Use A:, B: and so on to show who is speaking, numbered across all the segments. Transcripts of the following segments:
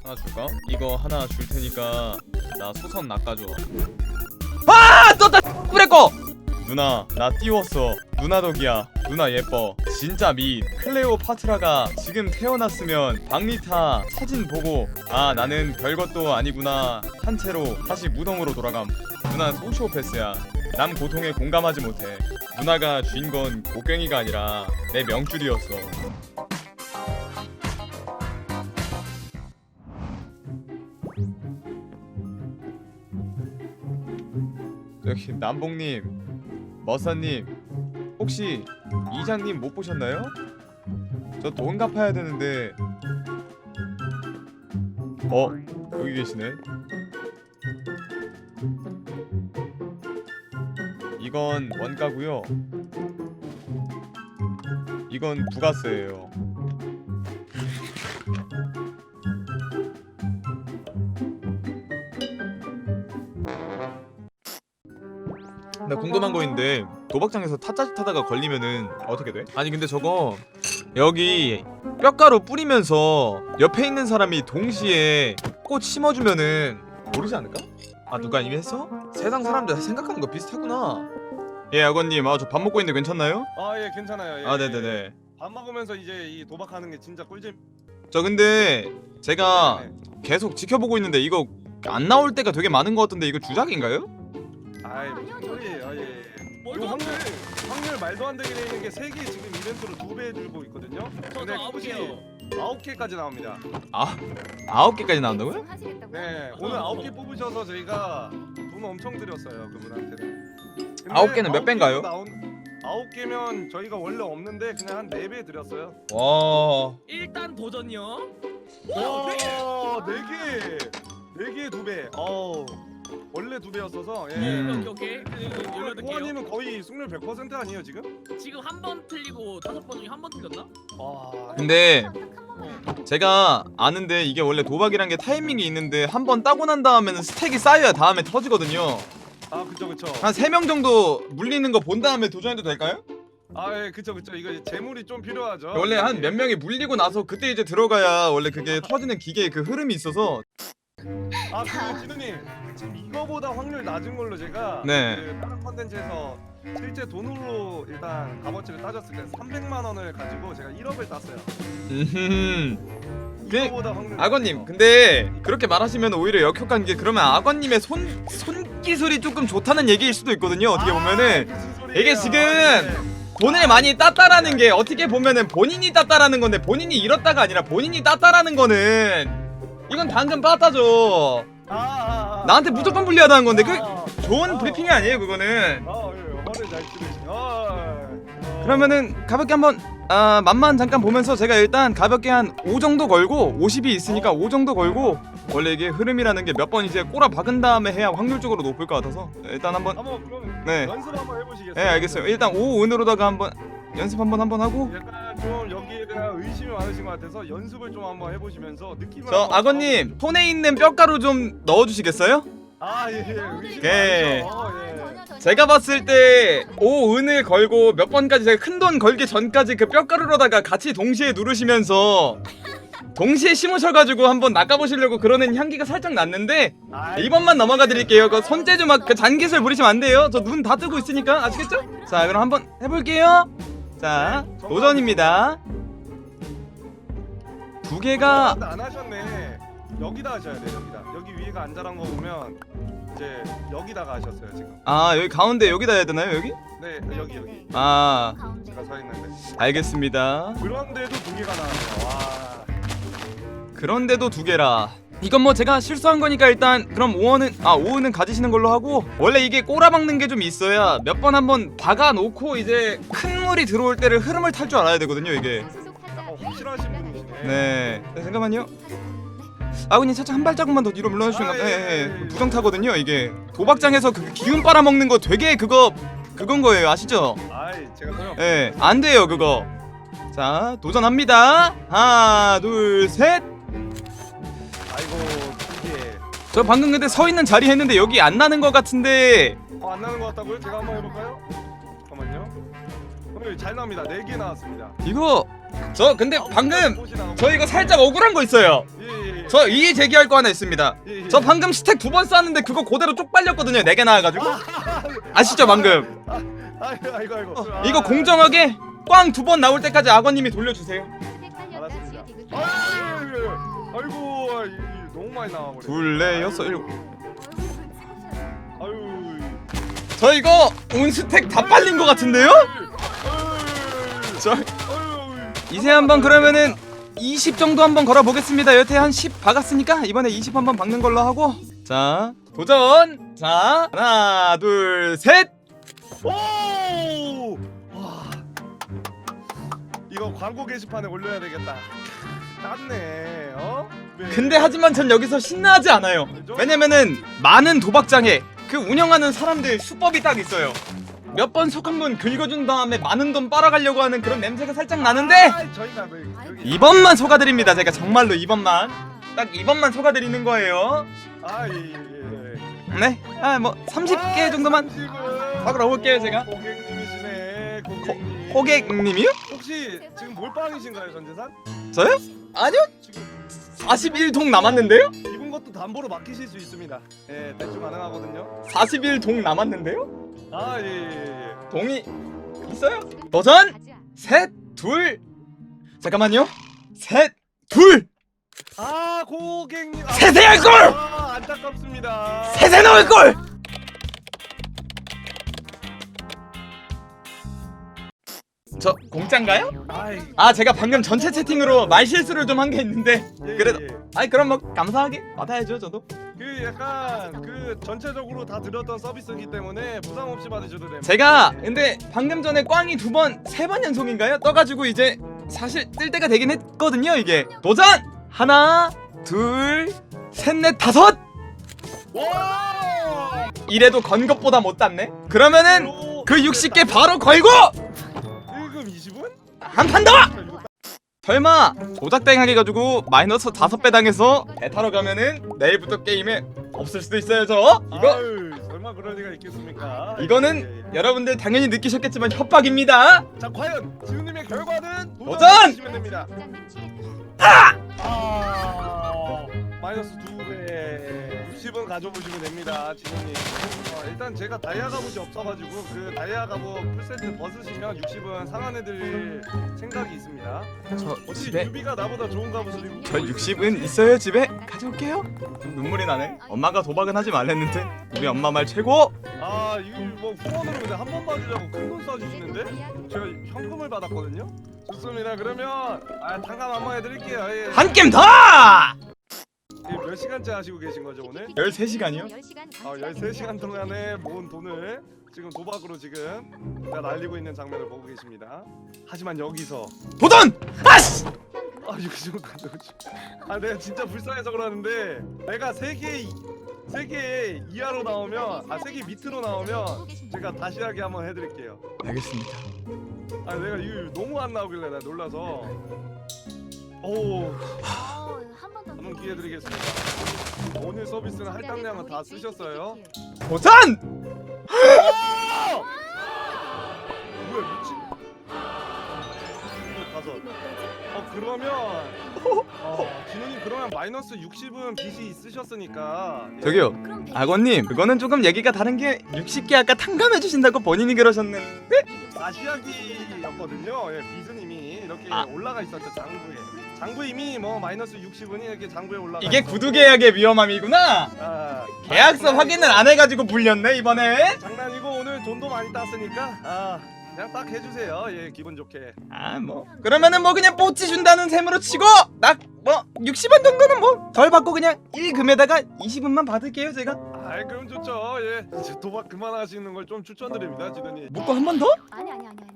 A: 하나 줄까? 이거 하나 줄 테니까 나 소선 낚아줘. 아! 떴다! 뿌레꺼! 누나 나 띄웠어. 누나 덕이야. 누나 예뻐. 진짜 미. 클레오파트라가 지금 태어났으면 박리타 사진 보고 아 나는 별것도 아니구나 한 채로 다시 무덤으로 돌아감. 누나 소시오패스야. 남 고통에 공감하지 못해. 누나가 쥔 건 곡괭이가 아니라 내 명줄이었어. 저기 남봉님, 머사님, 혹시 이장님 못 보셨나요? 저 돈 갚아야 되는데. 여기 계시네. 이건 원가고요. 이건 부가세예요. 나 궁금한 거 있는데 도박장에서 타짜짓 하다가 걸리면은 어떻게 돼? 아니 근데 저거 여기 뼈가루 뿌리면서 옆에 있는 사람이 동시에 꽃 심어주면은 모르지 않을까? 아 누가 이미 했어? 세상 사람들 생각하는 거 비슷하구나. 예 아버님, 저 밥 먹고 있는데 괜찮나요?
B: 아 예 괜찮아요. 예,
A: 아 네네네.
B: 밥 먹으면서 이제 이 도박하는 게 진짜 꿀잼.
A: 저 근데 제가
B: 네네.
A: 계속 지켜보고 있는데 이거 안 나올 때가 되게 많은 것 같은데 이거 주작인가요?
B: 아이 무슨 소리예요? 예.
C: 뭘도
B: 이거
C: 안 돼.
B: 확률 말도 안 되게 돼 있는 게 3개 지금 이벤트로 2배 줄고 있거든요. 근데
C: 아버지요.
B: 9개까지 나옵니다.
A: 아 9개까지 나온다고요?
B: 네 오늘 9개 뽑으셔서 저희가 돈 엄청 드렸어요 그분한테는.
A: 9개는 몇 배인가요?
B: 9개면 저희가 원래 없는데 그냥 한 4배 드렸어요.
A: 와
C: 일단 도전이요.
B: 와 4개! 4개에 2배. 어우 원래 2배였어서 예.
C: 오케이. 열여덟 개요.
B: 호환님은 거의 승률 100% 아니에요 지금?
C: 지금 한 번 틀리고 5번 중에 한 번 틀렸나?
B: 와
A: 근데 제가 아는데 이게 원래 도박이란 게 타이밍이 있는데 한 번 따고 난 다음에는 스택이 쌓여야 다음에 터지거든요.
B: 아 그쵸
A: 한 3명 정도 물리는 거 본 다음에 도전해도 될까요?
B: 아 예 그쵸 이거 이제 재물이 좀 필요하죠.
A: 원래 한 몇 명이 물리고 나서 그때 이제 들어가야 원래 그게 터지는 기계의 그 흐름이 있어서.
B: 아 그리고 진우님 지금 이거보다 확률 낮은 걸로 제가
A: 네.
B: 그 다른 컨텐츠에서 실제 돈으로 일단 값어치를 따졌을 때 300만 원을 가지고 제가 1억을 땄어요. 이거보다 확률
A: 악어님
B: 낮죠.
A: 근데 그렇게 말하시면 오히려 역효과인 게 그러면 악어님의 손기술이 조금 좋다는 얘기일 수도 있거든요. 어떻게 보면은
B: 무슨 소리예요?
A: 이게 지금
B: 네.
A: 돈을 많이 땄다라는 게 어떻게 보면은 본인이 땄다라는 건데 본인이 잃었다가 아니라 본인이 땄다라는 거는 이건 당근 빠따죠. 나한테 무조건 불리하다는 건데 그 좋은 브리핑이 아니에요 그거는.
B: 예, 말을 잘 들으시네.
A: 그러면은 가볍게 한번 맛만 잠깐 보면서 제가 일단 가볍게 한 5 정도 걸고 50이 있으니까 5 정도 걸고 원래 이게 흐름이라는 게 몇 번 이제 꼬라 박은 다음에 해야 확률적으로 높을 것 같아서 일단 한번.
B: 그럼
A: 네.
B: 연습 한번 해보시겠어요?
A: 네 알겠어요. 일단 5은으로다가 한번 연습 한번 하고.
B: 약간 좀 여기에 대한 의심이 많으신 것 같아서 연습을 좀 한번 해보시면서 느낌을
A: 저
B: 한번
A: 악어님 손에 있는 뼈가루 좀 넣어주시겠어요?
B: 의심이
A: 오케이.
B: 많으셔.
A: 제가 봤을 때 5은을 걸고 몇 번까지 제가 큰돈 걸기 전까지 그 뼈가루로다가 같이 동시에 누르시면서 동시에 심으셔가지고 한번 낚아보시려고 그러는 향기가 살짝 났는데 이번만 넘어가 드릴게요. 그 손재주 막 그 잔기술 부리시면 안 돼요. 저 눈 다 뜨고 있으니까 아시겠죠? 자 그럼 한번 해볼게요. 자 도전입니다. 2개가
B: 안 하셨네. 여기다 하셔야 돼요. 여기다. 여기 위에가 안 자란 거 보면 이제 여기다가 하셨어요 지금.
A: 여기 가운데 여기다 해야 되나요 여기?
B: 네 여기. 제가 서 있는데.
A: 알겠습니다.
B: 그런데도 2개가 나왔네요. 와.
A: 그런데도 2개라. 이건 뭐 제가 실수한 거니까 일단 그럼 5원은 가지시는 걸로 하고, 원래 이게 꼬라박는 게 좀 있어야 몇 번 한번 박아놓고 이제 큰 물이 들어올 때를 흐름을 탈 줄 알아야 되거든요 이게.
B: 확실하신 분이시네.
A: 네 잠깐만요. 아군이 살짝 한 발자국만 더 뒤로 물러주시면 부정 타거든요 이게. 도박장에서 그 기운 빨아먹는 거 되게 그건 거예요 아시죠?
B: 제가 소용.
A: 네 안 돼요 그거. 자 도전합니다. 하나 둘 셋.
B: 아이고 이게
A: 저 방금 근데 서 있는 자리 했는데 여기 안 나는 것 같은데.
B: 안 나는 것 같다고요? 제가 한번 해볼까요? 잠깐만요. 오늘 잘 나옵니다. 4개 나왔습니다.
A: 이거 저 근데 방금
B: 꽃이 나오고.
A: 저 이거 살짝 억울한 거 있어요.
B: 예.
A: 저 이의 제기할 거 하나 있습니다.
B: 예, 예.
A: 저 방금 스택 2번 쌌는데 그거 그대로 쪽 빨렸거든요. 4개 나와가지고. 아시죠 방금?
B: 아이고.
A: 이거 공정하게 꽝 2번 나올 때까지 악어님이 돌려주세요.
B: 알았습니다. 아이고 너무 많이 나와 버려.
A: 2, 4, 6, 7.
B: 아유.
A: 저 이거 온 스택 다 빨린 거 같은데요? 저 이제 한번 그러면은 20 정도 한번 걸어보겠습니다. 여태 한 10 박았으니까 이번에 20 한번 박는 걸로 하고. 자 도전. 자 하나 둘 셋.
B: 오! 와. 이거 광고 게시판에 올려야 되겠다. 땄네. 어? 네.
A: 근데 하지만 전 여기서 신나하지 않아요. 왜냐면은 많은 도박장에 그 운영하는 사람들 수법이 딱 있어요. 몇 번 속 한 번 긁어준 다음에 많은 돈 빨아가려고 하는 그런 냄새가 살짝 나는데
B: 저희가 여기
A: 이번만 속아드립니다. 제가 정말로 이번만 딱 이번만 속아드리는 거예요.
B: 예.
A: 네, 뭐 30개 정도만 박으러 올게요 제가.
B: 고객님이시네. 고객님.
A: 호객님이요?
B: 혹시 지금 몰빵이신가요, 전재산?
A: 저요? 아니요.
B: 지금
A: 41동 남았는데요?
B: 입은 것도 담보로 맡기실 수 있습니다. 예, 대충 가능하거든요.
A: 41동 남았는데요?
B: 예.
A: 동이 있어요? 도전! 셋, 둘. 잠깐만요. 셋, 둘.
B: 아, 고객님.
A: 세세할 걸!
B: 안타깝습니다.
A: 세세 넣을 걸! 저 공짜인가요?
B: 아이,
A: 아 제가 방금 전체 채팅으로 말 실수를 좀 한 게 있는데
B: 예,
A: 그래도
B: 예.
A: 아이 그럼 뭐 감사하게 받아야죠 저도.
B: 그 약간 그 전체적으로 다 드렸던 서비스이기 때문에 부담 없이 받으셔도 됩니다.
A: 제가 근데 방금 전에 꽝이 2번, 3번 연속인가요? 떠가지고 이제 사실 뜰 때가 되긴 했거든요 이게. 도전! 하나, 둘, 셋, 넷, 다섯!
B: 와!
A: 이래도 건 것보다 못 땄네? 그러면은 그 60개 바로 걸고!
B: 1금 20은?
A: 한 판 더! 설마 조작땡 하게 가지고 마이너스 5배 당해서 배 타러 가면은 내일부터 게임에 없을 수도 있어요 저? 이거
B: 아유, 설마 그럴 리가 있겠습니까?
A: 이거는
B: 예, 예.
A: 여러분들 당연히 느끼셨겠지만 협박입니다.
B: 자, 과연 지훈님의 결과는
A: 도전!
B: 주시면 됩니다. 마이너스 2배 60은 가져보시면 됩니다, 지훈님. 일단 제가 다이아 갑옷이 없어가지고 그 다이아 갑옷 풀세트 벗으시면 60은 상환해드릴 생각이 있습니다.
A: 저
B: 어차피
A: 집에
B: 유비가 나보다 좋은 갑옷을 입고
A: 저 60은 있어요 집에 가져올게요. 눈물이 나네. 엄마가 도박은 하지 말랬는데 우리 엄마 말 최고.
B: 아 이거 뭐 후원으로 근데 한 번 봐주자고 큰 돈 써주시는데 제가 현금을 받았거든요. 좋습니다. 그러면 tan감 한번 해드릴게요. 예.
A: 한 게임 더!
B: 몇 시간째 하시고 계신 거죠 오늘?
A: 13시간이요?
B: 13시간 동안에 모은 돈을 지금 도박으로 지금 다 날리고 있는 장면을 보고 계십니다. 하지만 여기서
A: 도전! 아씨!
B: 아 이거 좀 가져오지. 아 내가 진짜 불쌍해서 그러는데 내가 3개 이하로 나오면 3개 밑으로 나오면 제가 다시 하게 한번 해드릴게요.
A: 알겠습니다.
B: 아 내가 이거 너무 안 나오길래 나 놀라서. 오 한번 기회 드리겠습니다. 오늘 서비스는 할당량은 다 쓰셨어요.
A: 도전!
B: 뭐야 미친. 5. 그러면 진우님 그러면 마이너스 60은 빚이 있으셨으니까. 예.
A: 저기요 악어님 그거는 조금 얘기가 다른 게 60개 아까 탕감해 주신다고 본인이 그러셨는데
B: 아시아기였거든요. 예, 비즈님이 이렇게 올라가 있었죠 장부에 이미 뭐 마이너스 60은이 이렇게 장부에 올라가.
A: 이게
B: 있었고.
A: 구두 계약의 위험함이구나. 계약서
B: 장난이고.
A: 확인을 안 해가지고 불렸네 이번에.
B: 장난이고 오늘 돈도 많이 땄으니까 그냥 딱 해주세요. 예, 기분 좋게.
A: 뭐 그러면은 뭐 그냥 뽀찌 준다는 셈으로 치고 딱 뭐 60원 정도는 뭐 덜 받고 그냥 1금에다가 20원만 받을게요 제가.
B: 아이 그럼 좋죠. 예, 이제 도박 그만하시는 걸 좀 추천드립니다, 지더니.
A: 묶고 한 번 더?
D: 아니.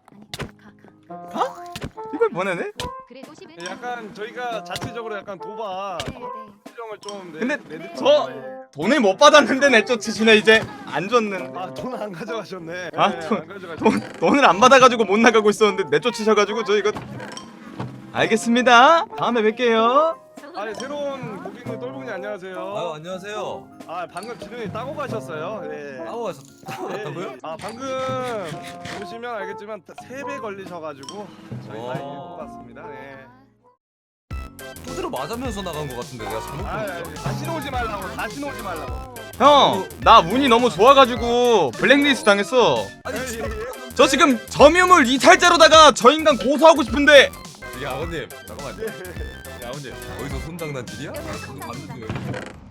A: 이걸 보내네?
D: 그래도 10은
B: 약간 저희가 자체적으로 약간 도박
D: 네네.
B: 수정을 좀
A: 근데
B: 내드릴게요.
A: 저- 돈을 못 받았는데 내쫓으시네 이제. 안 줬는.
B: 돈 안 가져가셨네.
A: 아,
B: 예,
A: 돈-
B: 안 가져가셨네.
A: 돈을 안 받아가지고 못 나가고 있었는데 내쫓으셔가지고 저 이거. 알겠습니다. 다음에 뵐게요.
B: 새로운 고객님 똘봉님 안녕하세요.
E: 아유 안녕하세요.
B: 방금 지훈이 따고 가셨어요. 예.
E: 따고 가셨다고요?
B: 방금 보시면 알겠지만 3배 걸리셔가지고 저희 다 이길 것 같습니다. 예.
E: 대로 맞으면서 나간 것 같은데 내가 잘못 본 거야?
B: 다시 오지 말라고. 다시 오지 말라고.
A: 형, 나 운이 너무 좋아가지고 블랙리스트 당했어.
E: 아니 진짜
A: 저 지금 점유물 이탈자로다가 저 인간 고소하고 싶은데.
E: 야 아버님 잠깐만. 야 아버님 어디서 손장난질이야? 저도 봤는데.